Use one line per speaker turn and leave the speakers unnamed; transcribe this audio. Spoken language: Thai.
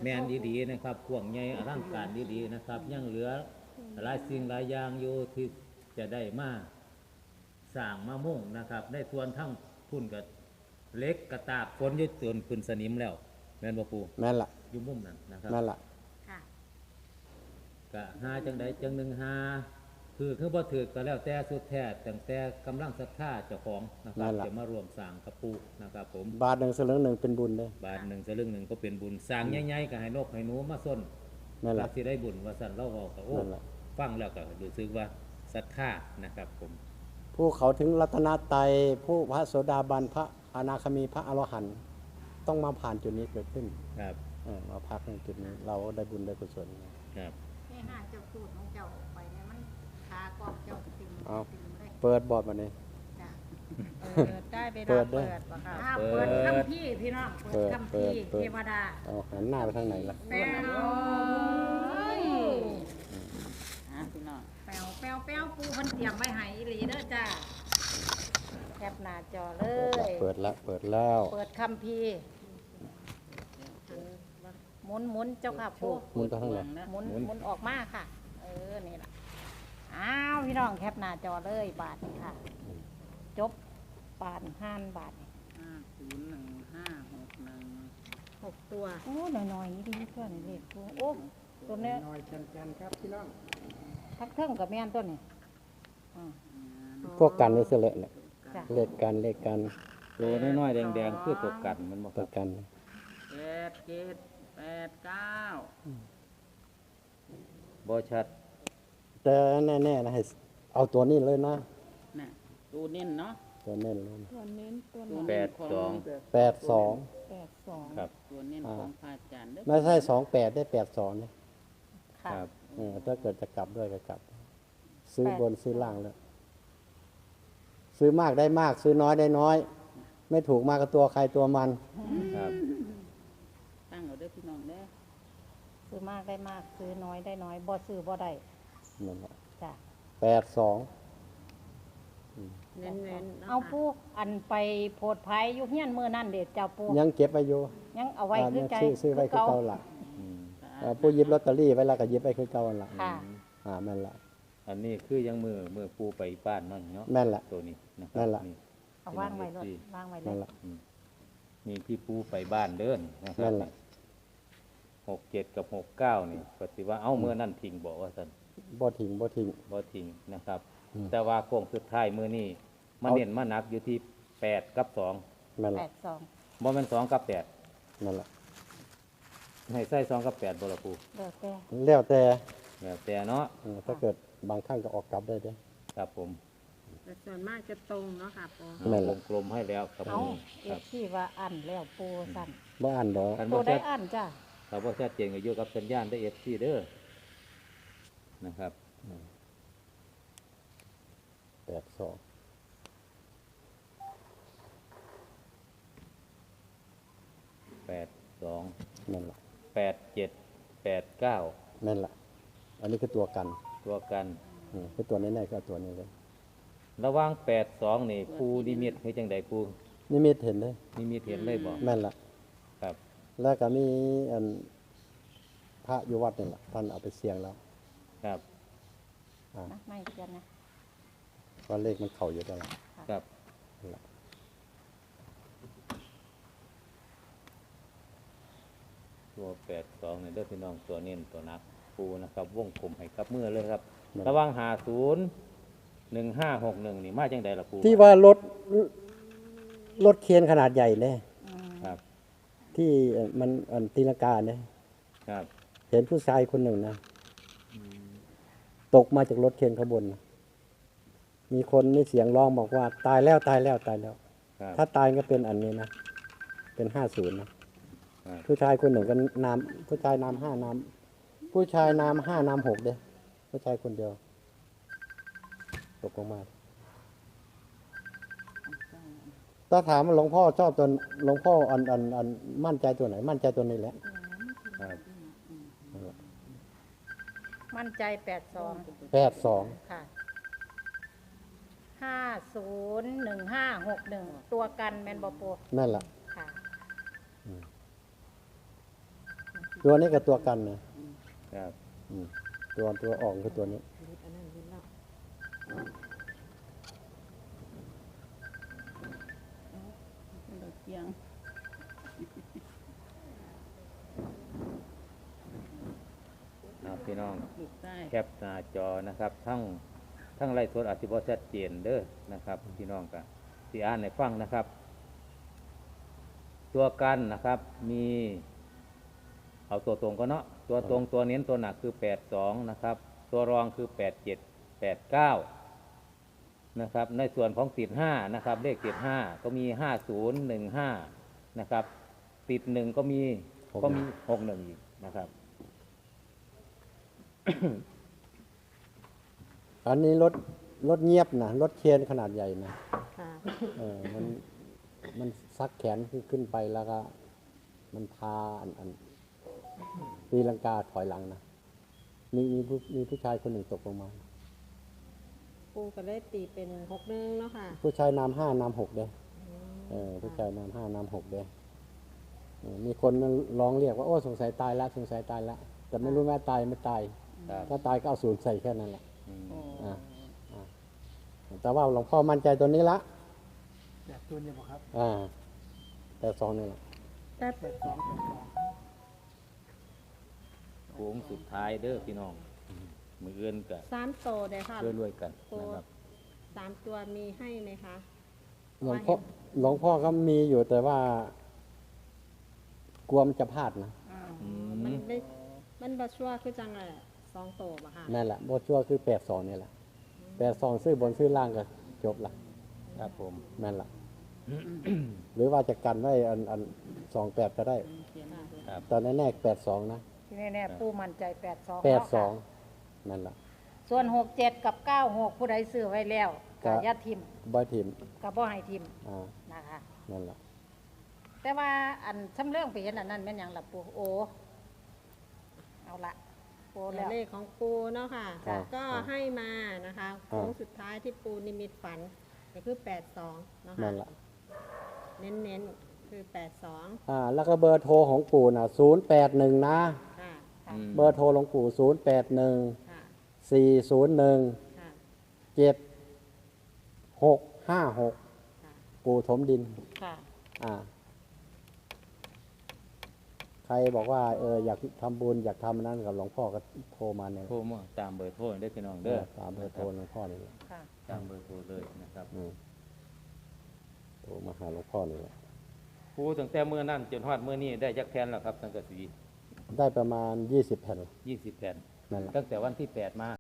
แมนดีๆนะครับพวงใหญ่อลังการดีๆนะครับยังเหลือหลายสิ่งหลายอย่างอยู่ที่จะได้มาสร้างมามุ่งนะครับได้ส่วนทั้งพุ่นกับเล็กกระตากฝนยึดจนขึ้นสนิมแล้วแมนบ่ปู
แม่นละ
อยู่มุมนั้นนะครับ
แม่นละ
ค่ะ
กะหาจังใดจังหนึ่งหาคือบ่ถือก็แล้วแต่สุดแท้ตั้งแต่กำลังศรัทธาเจ้าของนะครับจะมารวมสร้างกับปูนะครับผม
บาทหนึ่งสลึงหนึ่งเป็นบุญเลย
บาทหนึ่งสลึงหนึ่งก็เป็นบุญสร้างใหญ่ๆก็ให้นกให้หนูมาส้น
นั่นแหละ
ที่ได้บุญว่าสั่นเล่าเอาก็โอ้ฟังแล้วก็รู้สึกว่าศรัทธานะครับผม
ผู้เขาถึงรัตนตรัยผู้พระโสดาบันพระอนาคามีพระอรหันต์ต้องมาผ่านจุดนี้เกิดขึ้น
ครับ
มาพักในจุดนี้เราได้บุญได้กุศล
ครับ
ให้ห้าเจ้าสูตรของเจ้าออกไปเนี่ยมันขากองเจ้าติ่มเลย
เปิดบอดมาเนี่ย
ได้ไปเปิดป่ะค่ะเปิดคำพี่พี่น้องเปิดคำพี่เทวดา
หันหน้าไปทางไหนล่ะ
แปวพี่น้องแปวปูเพิ่นเตรียมไว้ให้อีหลีเด้อจ้าแคปหน้าจอเลย
เปิดแล้วเปิ
ดคำพี่หมุนเจ้าค่ะปู
หมุนไปทางไหน
หมุนออกมาค่ะนี่แหละอ้าวพี่น้องแคปหน้าจอเลยบาทค่ะจบบาท5 บาท501561 6 ตัวโอ้น้อยๆนี่ดีเพื่อนเล็กตัวโอ้ตัวนี้
น้อยจันครับพี่น้อง
ทักเทิงกับแม่นตัวนี้
พวกกันนี่เสละเนี่ยเลขกัน
โลน้อยๆแดงๆคือตัวกันมันบ่
ตัวกัน
7 7 8 9
บ่ชัด
แต่แน่ๆนะให้เอาตัวนี้เลยนะ
ตัวเน้นเนาะ
ตัวเน้น
82ครับ
ตัวเน้นของพระอาจารย์
ไม่ใช่28ได้82เนี่ย
ครับ
ถ้าเกิดจะกลับด้วยก็กลับซื้อบนซื้อล่างเลยซื้อมากได้มากซื้อน้อยได้น้อยไม่ถูกมากกับตัวใครตัวมัน
ครับ
ตั้งเอาเด้อพี่น้องเด้อซื้อมากได้มากซื้อน้อยได้น้อยบ่ซื้อบ่ได้
นั่นแหละ
จ้ะ
82
เน้นเอาปูอันไปโพดไผอยู่เฮียนมื้อนั้นเด้เจ้าปู
ยังเก็บไว้อยู่
ยังเอาไว้คือใจ
ซื้อไว้คือเก่าล่ะผู้ยิบลอตเตอรี่ไว้แล้วก็ยิบไว้คือเก่าล่ะแม่นละ
อันนี้คือยังมือปูไปบ้านนั่นเนาะ
แม่นละ
ตัวนี้นะครั
แม่นละ
เอาวางไว้รถวางไว้เลย
นี่ที่ปูไปบ้านเดินนะครับ67กับ69นี่ก็สิว่าเอาเมื่อนั่นทิ้งบอกว่าซั่น
บ่ทิ้ง
นะครับแต่ว่าโค้งสุดท้ายมื้อนี้มาเน้นมาหนักอยู่ที่8กับ2
นั่นแหละ
82
บ่แม่น2กับ8
นั่นแหละ
ให้ใส่2กับ8บ่ล่ะปู
แล้ว
แต่เนาะ
ถ้าเกิดบางครั้งก็ออกกลับได้เด้
ครับผม
แต่ส่วนมากจะตรงเนาะค่ะปู
วงกลมให้แล้วครับผม
ครับที่ว่าอันแล้วปูสั่น
บ่อันดอก
ตัวได้อันจ้ะ
ถ้าบ่ชัดเจนก็อยู่กับสัญญาณได้ FC เด้อนะครับ
82นั่นแหละ
87 89
นั่นแหละอันนี้คือตัวกัน คือตัวนี้ๆก็ตัวนี้เลย
ระหว่าง82นี่ปูนิมิตคือจังได๋ปู
นิมิตเห็นเลย
นิมิตเห็นเลยบ่
แม่นล่ะ
ครับ
แล้วก็มีอันพระอยู่วัดนี่ล่ะท่านเอาไปเสี่ยงแล้ว
ครับ
ไม่เขียนนะ
ว่าเลขมันเข้าอยู่แล้วล่ะ
ครับตัว82นี่เด้อพี่น้องตัวเน้นตัวนักปูนะครับวงกลมให้กับมือเลยครับระหว่าง501561นี่มาจังได๋ล่ะปู
ที่ว่ารถเคนขนาดใหญ่เลย
ครับ
ที่มันตีลังกาเนี่ย
ครับ
เห็นผู้ชายคนหนึ่งนะตกมาจากรถเคนขบวนมีคนมีเสียงร้องบอกว่าตายแล้วถ้าตายก็เป็นอันนี้นะเป็น50นะผู้ชายคนหนึ่งก็นามผู้ชายนาม5นามผู้ชายนาม5นาม6เด้ผู้ชายคนเดียวตกลงมาถ้าถามหลวงพ่อชอบตัวหลวงพ่ออันมั่นใจตัวไหนมั่นใจตัวนี้แหละ
มั่นใจ82ค่ะ501561ตัวกันแม่นบ่ปู
นั่นล่ะ
ค่ะ
ตัวนี้กับตัวกันนะครับ อืมตัวออกคือตัวนี้
อันนั้นเห็นแล้วดอกเกียง
พี่น้อง
ลูกใต้
แคปหน้าจอนะครับ ทั้งไลฟ์สดอาจจะบ่ชัดเจนเด้อนะครับพี่น้องก็สิอ่านให้ฟังนะครับ ตัวกันนะครับมีเอาตัวตรงก็เนาะตัวตรงตัวเน้นตัวหนักคือ82นะครับตัวรองคือ87 89นะครับในส่วนของติด5นะครับเลขติด5ก็มี5015นะครับติด1ก็มี61อีกนะครับ
อันนี้รถเงียบนะรถเคนขนาดใหญ่นะ
ค่ะ
มันซักแขนขึ้นไปแล้วก็ มันพาตีลังกาถอยหลังนะมีผู้ชายคนหนึ่งตกลงมา
ปูก็ได้ตีเป็น6-1เนาะค่ะ
ผู้ชายนาม5นาม6เด้ผู้ชายนาม5นาม6เด้มีคนมันร้องเรียกว่าโอ้สงสัยตายแล้วสงสัยตายแล้วแต่ไม่รู้ว่าตายไม่ตาย
ครับ
ถ้าตายก็เอาศูนย์ใส่แค่นั้นแหละ
อืม
อ่าแต่ว่าหลวงพ่อมั่นใจตัวนี้ละ
แบบตัวนี้บ่ครับ
แต่สองนี่แหละ
แต่
โค้งสุดท้ายเด้อพี่น้องมือเอื้อนกัน
3โตได้ค่ะ
รวยๆกันนะครับ
3ตัวมีให้ไหมคะ
หลวงพ่อก็มีอยู่แต่ว่ากลัวมันจะพลาดนะ
อื
มัน
ม
ได้มันบ่ชัวร์คือจังไง2โตบ่ค่ะ
นั่นแหละโบชัวคือ82นี่แหละ82ซื้อบนซื้อล่างก็จบละ
ครับผม
นั่นแหละ หรือว่าจะกันไว้28ก็ได้
ครับ
ตอนแน่ๆ82นะ
ที่แน่ๆปูมั่นใจ82
82นั่นแหละ
ส่วน67กับ96ผู้ใดซื้อไว้แล้ว
ก็
ก็อย่าทิม
บ่ทิม
ก็บ่ให้ทิม
อ่า
นะคะ
นั่นแหละ
แต่ว่าอันสำเรื่องไปเห็นอันนั้นแม่นหยังล่ะปูโอเอาละโอ
ตัว
แล้ว
เลขของปูเนาะค่ะ
อ่า
ก็ให้มานะคะโค้งสุดท้ายที่ปูนิมิตฝันก็คือ82เนาะ
นั่
ค่ะ
นแหละ
เน้นๆคือ82
แล้วก็เบอร์โทรของปู่น่ะ081นะ
ค่ะ
อืม
เบอร์โทรหลวงปู่081
ค่ะ
401
ค่ะ
7656
ค่ะ
ปู่ถมดิน
ค่ะ
อ่า ใครบอกว่าอยากทำบุญอยากทำอันนั้นกับหลวงพ่อก็โทรมาเนี่ย
โทรมาตามเบอร์โทรได้อพี่น้องเด้อ
ตามเบอร์โทรหลวงพ่อนี่แหละ
ค่ะ
ตามเบอร์โทรเลยนะครับ
โทรมาหาหลวงพ่อนี่แหละ
ครูตั้งแต่เมื่อนั้นจนฮอดเมื่อนี้ได้จักแผ่นแล้วครับสังกะสี
ได้ประมาณ20 แผ่น
20แผ่น
นั่นแหละ
ตั้งแต่วันที่8มา